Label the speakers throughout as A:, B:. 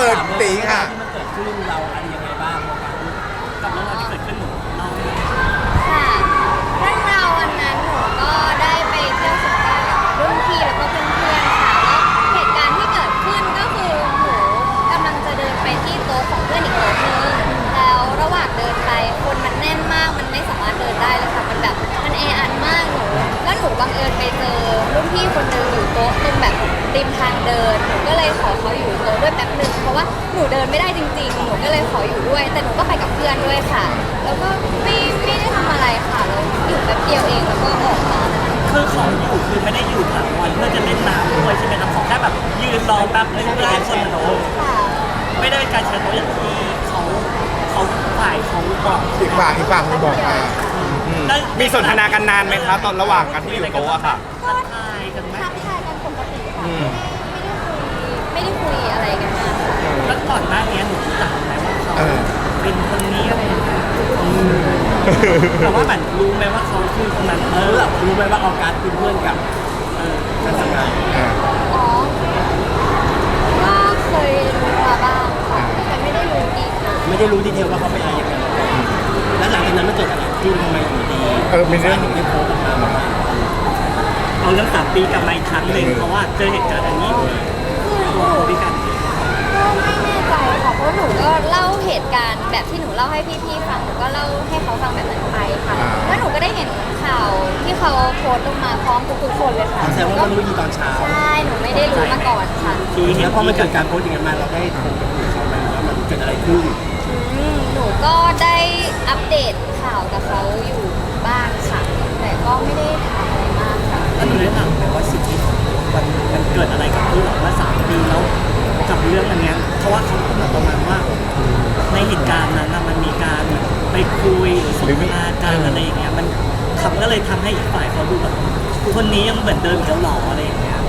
A: ตีค่ะ
B: ที่มันเกิดขึ้นเราอะไรยังไงบ้างกับเรื่องราวที่เกิดขึ้นหนูเล่าให้หน่อย
C: ค่ะเรื่องราววันนั้นหนูก็ได้ไปเที่ยวสงกรานต์กับรุ่นพี่แล้วก็เพื่อนๆค่ะแล้วเหตุการณ์ที่เกิดขึ้นก็คือหนูกำลังจะเดินไปที่โต๊ะของเพื่อนอีกโต๊ะนึงแล้วระหว่างเดินไปคนมันแน่นมากมันไม่สามารถเดินได้เลยค่ะมันแบบมันแออัดมากหนูแล้วหนูบังเอิญไปเจอรุ่นพี่คนหนึงอยู่โต๊ะตรงแบบริมทางเดินหนูก็เลยขอเขาอยู่โต๊ะด้วยแป๊บนึงเพราะว่าหนูเดินไม่ได้จริงๆหนูก็เลยขออยู่ด้วยแต่หนูก็ไปกับเพื่อนด้วยค่ะ แล้วก็ไม่ได้ทำอะไรค่ะเราอยู่แป๊บเดียวเองแล้วก็ออกมา
B: คือของอยู่คือไม่ได้อยู่ถาวรเพื่อจะเล่นน้ำด้วยใช่ไหมครับของแค่แบบยืนรอแป๊บนึงเพื่อให้คนมาโน้ต
C: ค่ะ
B: ไม่ได้เป็นการแชร์โน้ตอย่างที่เขาฝ่ายเขาบอก
A: อีกฝั่งมันบอกมา
D: มีสนทนากันนานไหมคะตอนระหว่างกันที่อยู่โต๊ะอะค่ะ
B: ทักทายกันไหม
C: ทักทายกันปกติค่ะไม่ได้คุยอะไรกันมากค่ะ
B: แล้วก่อนหน้านี้หนูรู้จักไหมว่าเขาเป็นคนนี้อะไรอย่างเงี้ยแต่ว่ามันรู้ไหมว่าเขาคือคนนั้นรู้ไหมว่าออกัสเป็นเพื่อนกับการทำงาน
C: อ๋อก็เคยรู้มาบ้างค่ะแต่ไม่ได้รู้ดีค่ะ
B: ไม่ได้รู้ดีเทลว่าเขาเป็นอะไรยังไงแล้วหลังจากนั้นมันเกิดอะไรขึ้นทำไมอยู่ดี
A: มีเรื่อง
B: ถึงได้โพสต์ออกมาบอกว่าเอาเรื่อง3 ปีกลับมาอีกครั้งหนึ่งเพราะว่าเจอเหตุการณ์อันนี้
C: คือหนู
B: ด้วยกัน
C: ก็ไม่แน่ใจค่ะเพราะหนูก็เล่าเหตุการณ์แบบที่หนูเล่าให้พี่ๆฟังหนูก็เล่าให้เขาฟังแบบนั้นไปค่ะแล้วหนูก็ได้เห็นข่าวที่เขาโพสต์ลงมาพร้อมทุกๆคนเลยค่ะ
B: แสดงว่าเรารู้ดีตอนเช้า
C: ใช่หนูไม่ได้รู้มาก่อนค่ะ
B: แล้วพอมันเกิดการโพสต์อย่างนั้นมาเราได้โทรไปคุยกับเขาไหมว่ามันเกิดอะไรขึ้น
C: หนูก็ได้อัปเดตข่าวกับเขาอยู่บ้างค่ะ แต่ก็ไม่ได้ถามอะไรมากค่ะ
B: แล้วหนูได้ถามไหมว่าสิ่งที่มันเกิดอะไรกับพี่หรอว่า3 ปีแล้วกับเรื่องอันเนี้ยเพราะว่าเขาพูดมาประมาณว่า ในเหตุการณ์นั้นน่ะมันมีการไปคุยหรือสนทนาการอะไรอย่างเงี้ยมันขับก็เลยทำให้อีกฝ่ายเขาดูแบบคนนี้ยังเหมือนเดิมอีกแล้วหรออะไรอย่างเงี้ย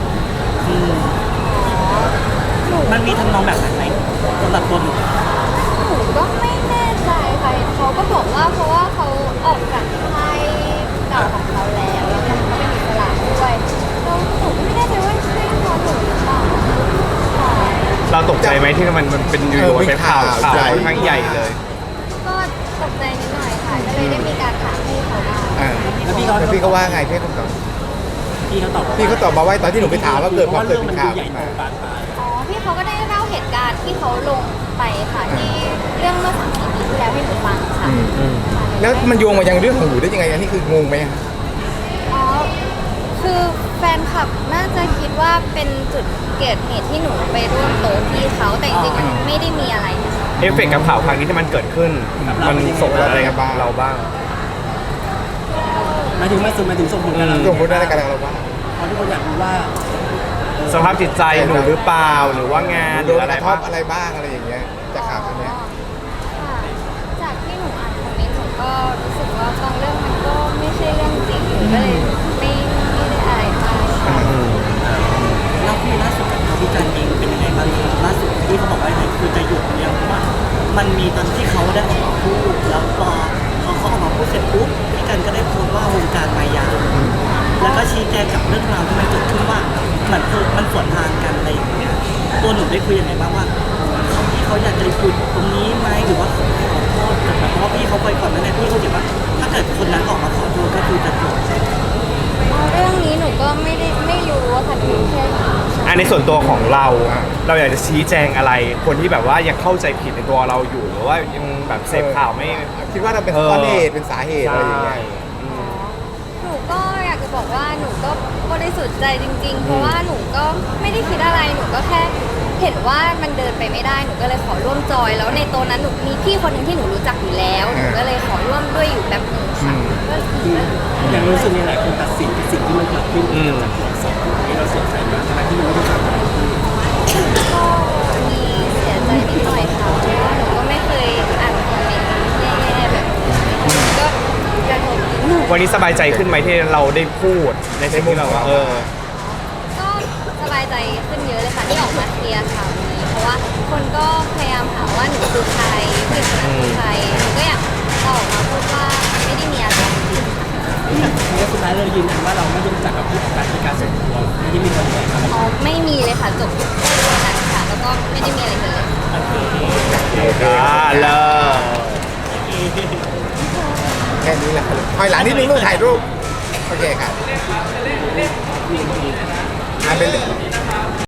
B: มันมีทำนองแบบนั้นไหมสำหรับตัวหนู
C: หนูก็ไม่แน่ใจค่ะเขาก็บอกว่าเพราะว่าเขาออกจากค่ายเก่าของเขาแล้วแล้วเขาก็เป็นอิสระด้วยแล้วหนูก็ไม่แน่ใจว่าใช่ตัวหนูหรือเปล่าค่ะ
D: เราตกใจไหมที่มันเป็นอยู่ๆเป็นข่าวค่อนข้างใหญ่เลย
C: ก็ตกใจนิดหน่อยค่ะก็เลยได้มีการถามพี่เขาบ้าง
B: แล้วพี่
A: แล้วพี่ก็ว่าไงพี่เขาตอบ
B: พี่เขาตอบ
A: พี่เขาตอบมาว่าตอนที่หนูไปถามว่าเกิดความเกิด
B: เรื่อง
A: เป็
B: มัน
A: นข่า
B: ดู
A: ว
B: ใหญ่
A: ขึ้น
B: โต
A: มา
B: บานปลาย
C: อ๋อพี่เขาก็ได้เล่าเหตุการณ์ที่เขาลงไปค่ะที่เรื่องเมื่อ3-4 ปีที่แล้วให้หนูฟังค่ะค่ะ
A: แล้วมันโยงมายังเรื่องของหนูได้ยังไงอันนี้คืองงไหมอะ
C: อ๋อคือแฟนคลับน่าจะคิดว่าเป็นจุดเกิดเหตุที่หนูไปร่วมโต๊ะพี่เขาแต่จริงๆมันไม่ได้มีอะไรนะคะ
D: เอฟเฟกต์กับข่าวครั้งนี้ที่มันเกิดขึ้น มันส่งอะไรกับเราบ้าง
B: หมายถึงส่งผลกับเรา
A: ส่งผลอะไรกับเราบ้าง
B: เพราะทุกคนอยากรู้ว่า
D: สภาพจิตใจหนูหรือเปล่าหรือว่างานห
A: โด
D: รือน อะ
A: ก
D: ไร
A: ระท
D: บ้า
A: บ
D: ง
A: อะไรบ้างอะไรอย่างเงี้ยจากข่าวตัวเนี้ย
C: ค่ะจากที่หนูอ่านคอมเมนต์หนูก็รู้สึกว่าบางเรื่องมันก็ไม่ใช่เรื่องจริงหนูก็เลยไม่ได้อะไรมากค่ะ
B: เราคุยล่าสุดกับพี่จันเองเป็นยังไงบ้างครับล่าสุดที่เขาบอกว่าไหนคือจะหยุดเนี่ยเพราะว่ามันมีตอนที่เขาได้ออกมาพูดแล้วพอเขาออกมาพูดเสร็จปุ๊บพี่กันก็ได้โพสต์ว่าวงการมายาแล้วก็ชี้แจงกับเรื่องราวที่มันเกิดขึ้นว่าเหมือนมันสวนทางกันอะไรอย่างเงี้ยตัวหนูได้คุยยังไงบ้างว่าที่เขาอยากจะหยุดตรงนี้ไหมหรือว่าขอโทษกันนะเพราะว่าพี่เขาเคยก่อนหน้านี้พี่เขาเขียนว่าถ้าเกิดคนนั้นออกมาขอโทษก็คือจะจบ
C: เรื่องนี้หนูก็ไม่รู้ว่าค่ะหนูแค่
D: อันในส่วนตัวของเรา เราอยากจะชี้แจงอะไร คนที่แบบว่ายังเข้าใจผิดในตัวเราอยู่หรือว่ายังแบบเสพข่าวไม่
A: คิดว่าเราเป็นต้นเหตุเป็นสาเหตุอะไรอย่างเงี้ย
C: หนูก็อยากจะบอกว่าหนูก็บริสุทธิ์ใจจริงๆ เพราะว่าหนูก็ไม่ได้คิดอะไรหนูก็แค่เห็นว่ามันเดินไปไม่ได้หนูก็เลยขอร่วมจอย แล้วในโต๊ะนั้นหนูมีพี่คนหนึ่งที่หนูรู้จักอยู่แล้วหนูก็เลยขอร่วมด้วยอยู่แบบหนึงค่ะก็
B: อย่างรู้สึกในหลายคนตัดสินสิ่งที่มันเกิดขึ้นจากตัวอักษรที่เราเสียใจมากทั้งที่มันไม่ได้ทำอะไร
C: ก็มีเสียใจนิดหน่อยค่ะเพราะว่าหนูก็ไม่เคยอ่านคอมเมนต์แย่ๆแบบนี้ก็กระทบนิดหน่อย
D: วันนี้สบายใจขึ้นไหมที่เราได้พูดในสิ่งที่เรา
C: ก็สบายใจขึ้นเยอะเลยค่ะที่ออกมาเคลียร์ข่าวนี้เพราะว่าคนก็พยายามถามว่าหนูคือใครผู้หญิงคนนั้นคือใครหนูก็อยากออกมาพูดว่าไม่ได้มีอะไรจริงๆค่ะ
B: แล้วสุดท้ายเรายืนยันว่าเราไม่ได้รู้จักกับผู้ประกอบการในการส่วนตัวไม่ได้มีคนแย่งครับ
C: อ๋อไม่มีเลยค่ะจบแค่ตรงนั้นค่ะแล้วก็ไม่ได้มีอะไรเลย
B: แ
A: เค
D: เลิศ
A: แค่นี้แหละคอยหลังนิดนึงลูกถ่ายรูปโอเคครับเป็น